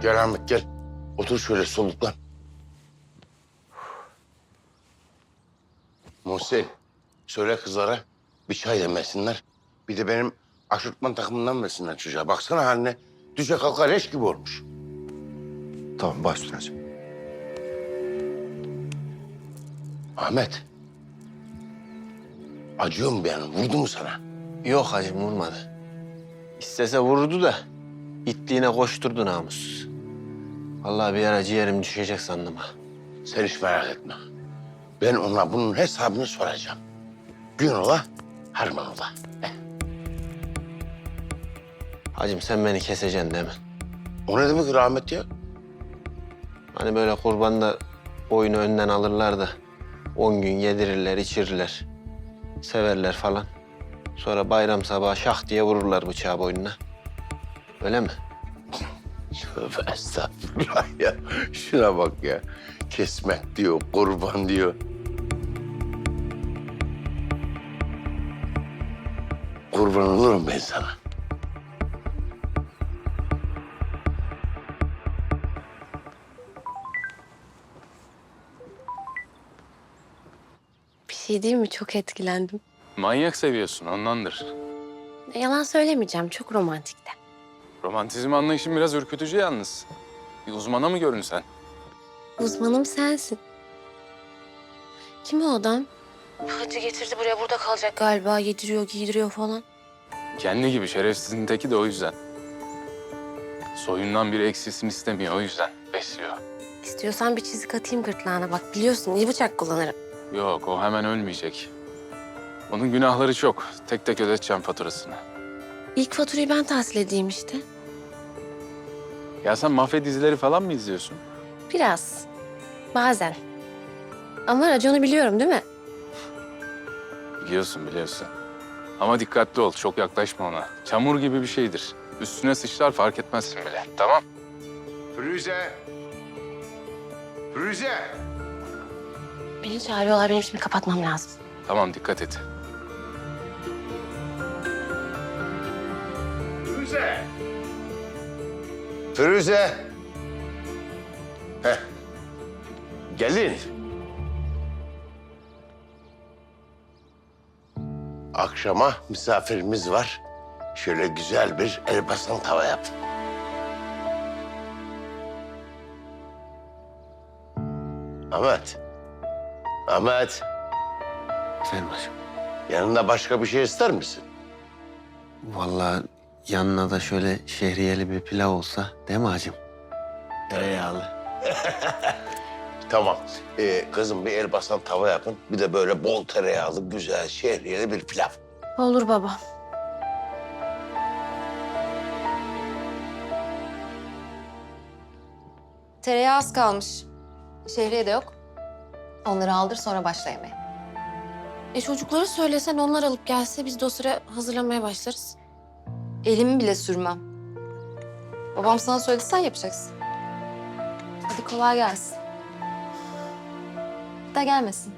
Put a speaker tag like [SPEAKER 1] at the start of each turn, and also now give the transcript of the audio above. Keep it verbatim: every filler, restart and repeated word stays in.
[SPEAKER 1] Gel Ahmet gel. Otur şöyle soluklan. Muhsin, söyle kızlara bir çay demesinler. Bir de benim aşırtman takımından versinler çocuğa. Baksana haline. Düşe kalka leş gibi olmuş.
[SPEAKER 2] Tamam, baş üstüne hacı.
[SPEAKER 1] Ahmet. Acıyor mu benim? Vurdu mu sana?
[SPEAKER 3] Yok hacım vurmadı. İstese vururdu da itliğine koşturdu namussuz. Vallahi bir ara ciğerim düşecek sandım ha.
[SPEAKER 1] Sen hiç merak etme. Ben ona bunun hesabını soracağım. Gün ola, harman ola. Eh,
[SPEAKER 3] Hacım sen beni keseceksin değil mi?
[SPEAKER 1] O ne demek rahmet ya?
[SPEAKER 3] Hani böyle kurbanda oyunu önden alırlar da on gün yedirirler, içirirler. Severler falan. Sonra bayram sabahı şah diye vururlar bıçağı boynuna. Öyle mi?
[SPEAKER 1] Tövbe estağfurullah ya. Şuna bak ya. Kesmek diyor, kurban diyor. Kurban olurum ben sana.
[SPEAKER 4] Bir şey değil mi? Çok etkilendim.
[SPEAKER 5] Manyak seviyorsun ondandır.
[SPEAKER 4] E, Yalan söylemeyeceğim. Çok romantikti.
[SPEAKER 5] Romantizm anlayışın biraz ürkütücü yalnız. Bir uzmana mı görünsen?
[SPEAKER 4] Uzmanım sensin. Kim o adam? Hacı getirdi buraya, burada kalacak galiba. Yediriyor, giydiriyor falan.
[SPEAKER 5] Kendi gibi şerefsizin teki de o yüzden. Soyundan biri eksilsin istemiyor o yüzden besliyor.
[SPEAKER 4] İstiyorsan bir çizik atayım gırtlağına. Bak biliyorsun iyi bıçak kullanırım.
[SPEAKER 5] Yok o hemen ölmeyecek. Onun günahları çok. Tek tek ödeteceğim faturasını.
[SPEAKER 4] İlk faturayı ben tahsil edeyim işte.
[SPEAKER 5] Ya sen mafya dizileri falan mı izliyorsun?
[SPEAKER 4] Biraz. Bazen. Ama raconu biliyorum değil mi?
[SPEAKER 5] Biliyorsun biliyorsun. Ama dikkatli ol çok yaklaşma ona. Çamur gibi bir şeydir. Üstüne sıçrar fark etmezsin bile. Tamam.
[SPEAKER 1] Firuze. Firuze.
[SPEAKER 4] Beni çağırıyorlar. Benim şimdi kapatmam lazım.
[SPEAKER 5] Tamam dikkat et.
[SPEAKER 1] Firuze. Firuze. Heh. Gelin. Akşama misafirimiz var. Şöyle güzel bir elbasan tava yap. Ahmet. Ahmet.
[SPEAKER 3] Efendim hacım.
[SPEAKER 1] Yanında başka bir şey ister misin?
[SPEAKER 3] Vallahi yanına da şöyle şehriyeli bir pilav olsa değil mi hacım? Tereyağlı.
[SPEAKER 1] Tamam. Ee, kızım bir elbasan tava yapın. Bir de böyle bol tereyağlı, güzel, şehriyeli bir pilav.
[SPEAKER 4] Olur baba.
[SPEAKER 6] Tereyağı az kalmış. Şehriye de yok. Onları aldır sonra başla yemeğe.
[SPEAKER 4] E çocuklara söylesen onlar alıp gelse biz de o sıra hazırlamaya başlarız.
[SPEAKER 6] Elimi bile sürmem. Babam sana söyledi sen yapacaksın. Hadi kolay gelsin. Da gelmesin.